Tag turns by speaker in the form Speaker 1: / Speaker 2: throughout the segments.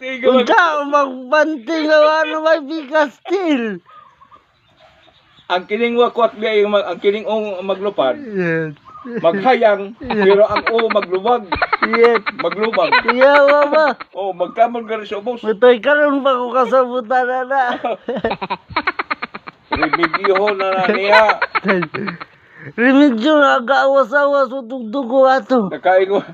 Speaker 1: Unsa magbanting nga may bigas still.
Speaker 2: Ang kining wakwak biya ang kining maglupad.
Speaker 1: Yes.
Speaker 2: Maghayang pero ang maglubag.
Speaker 1: Yes.
Speaker 2: Maglubag.
Speaker 1: Yeah, mama.
Speaker 2: Oh, magkamon ka rin sa ubos.
Speaker 1: Matoy karon ba ko kasabutan na?
Speaker 2: Remedyo na niya.
Speaker 1: Remedyo nga gaawas-awas utog ko ato.
Speaker 2: Nakain ko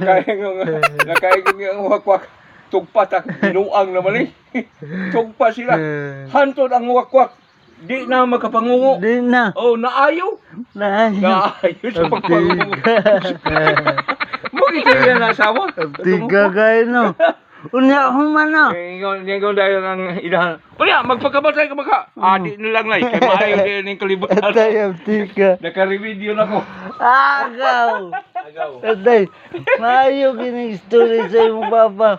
Speaker 2: yung wakwak. Tugpa tak binuang naman Tugpa sila. Hantod ang wakwak. Di na makapangungo.
Speaker 1: Di na.
Speaker 2: Oh, naayaw. Naayaw sa pagpangungo. Mo ito yan asawa.
Speaker 1: Tiga kayo no. Unya ako man na.
Speaker 2: Ngayon dahil ang ilahan. Unya, magpagkabatay ka maka. Di na lang kay maayaw din yung kalibutan.
Speaker 1: Atay, tiga.
Speaker 2: Naka-review na ko.
Speaker 1: Agaw. Atay, maayo kining story sa imong papa.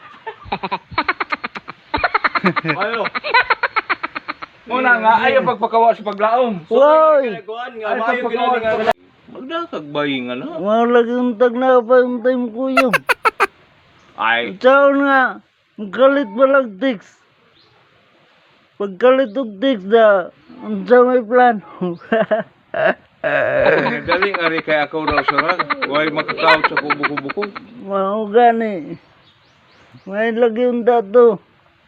Speaker 2: Ayo. Muna nga, ayaw pagpakawa sa paglaom.
Speaker 1: Woy!
Speaker 2: Ayaw pagpakawa sa paglaom. Magdakagbayi nga na.
Speaker 1: Malagi untag na pa yung time ko yun.
Speaker 2: Ay.
Speaker 1: Ikaw nga, magkalit ba lang tiks? Pagkalit og tiks na, unsa may plano.
Speaker 2: Daling ari kay ako raw sarang. Huwag makakaot sa kubo-kubo.
Speaker 1: Mao gani. May lagi unta to.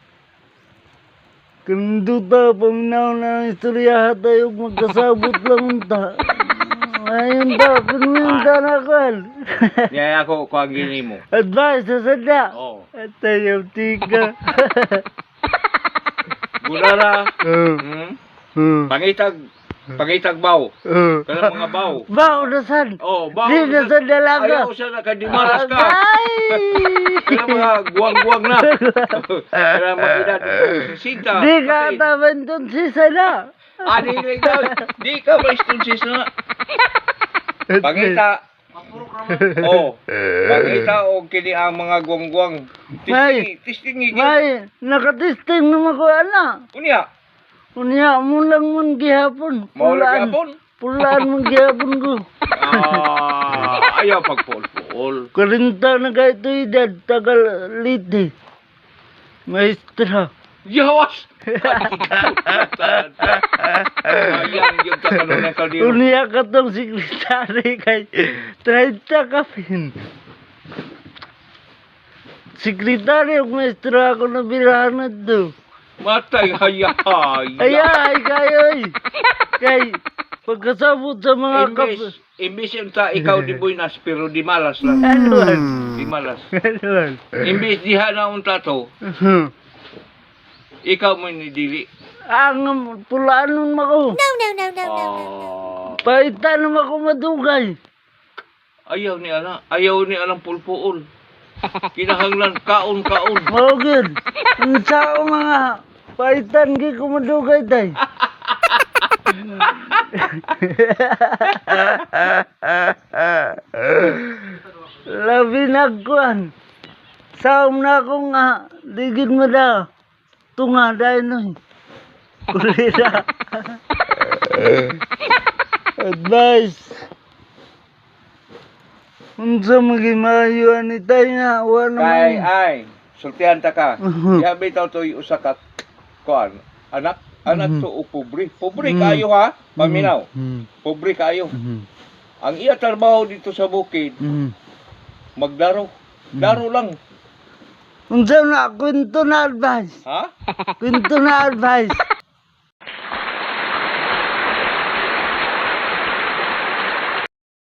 Speaker 1: Kanduta, paminaw na ng istorya tayo magkasabot lang unta. Ayun ta, pinunta na kan.
Speaker 2: Yaya ako ang gini mo.
Speaker 1: Advice sa sada.
Speaker 2: Oo.
Speaker 1: At tayo, tika.
Speaker 2: Gulala. Pangitag baw. Kanang mga baw.
Speaker 1: Baw na san.
Speaker 2: Oh, baw.
Speaker 1: Di na sa dalaga.
Speaker 2: Ayaw siya nakadimaras ka.
Speaker 1: Ay!
Speaker 2: Kanang mga guwang-guwang na. Kanang mag-edad. Sinta.
Speaker 1: Di ka taban dun si sana.
Speaker 2: Di lang daw. Di ka ba istunsis na? Pangita. Oh. Pangita o kini ang mga guwang-guwang. Tistingi.
Speaker 1: May, nakatesting naman ko ana.
Speaker 2: Unya.
Speaker 1: Unya mo lang mong gihapon.
Speaker 2: Maulag yapon.
Speaker 1: Pulaan mong gihapon ko.
Speaker 2: Ayaw pagpol-pol.
Speaker 1: Karinta na kayo ito edad, tagal liti. Maestra.
Speaker 2: Yawas! Ayang yung takalong ng kaldero.
Speaker 1: Unya ka tong sekretary kay 30 ka pin. Sekretary o maestra ako na birahan na to.
Speaker 2: Matay, hayay.
Speaker 1: Ayay, kayo eh. Kay, pagkasabot sa mga
Speaker 2: Imbis yung ikaw di buinas, pero di malas lang.
Speaker 1: Anuan.
Speaker 2: Di malas.
Speaker 1: Anuan.
Speaker 2: Imbis diha na unta to, ikaw mo nidili.
Speaker 1: Ang pulaan nun mako. Paitan naman ako madugay.
Speaker 2: Ayaw ni alang pulpuol. Kinahanglan kaon-kaon.
Speaker 1: Mogin. Ang sao mga paitan gi ko madugay tay. Labi nagkuan. Saom na ako nga. Digid mo daw. Tunga dahil nun. Kulira. Advice. Unsa magimayo ani tayo nga.
Speaker 2: Ay. Sultihan ta ka. Yabi taw to usa ka kuan. Anak to o pobre. Pobre kayo ha. Paminaw. Pobre kayo. Ang iya trabaho dito sa bukid. Magdaro. Daro lang.
Speaker 1: Unsa na kwento na advice?
Speaker 2: Ha?
Speaker 1: Kwento na advice.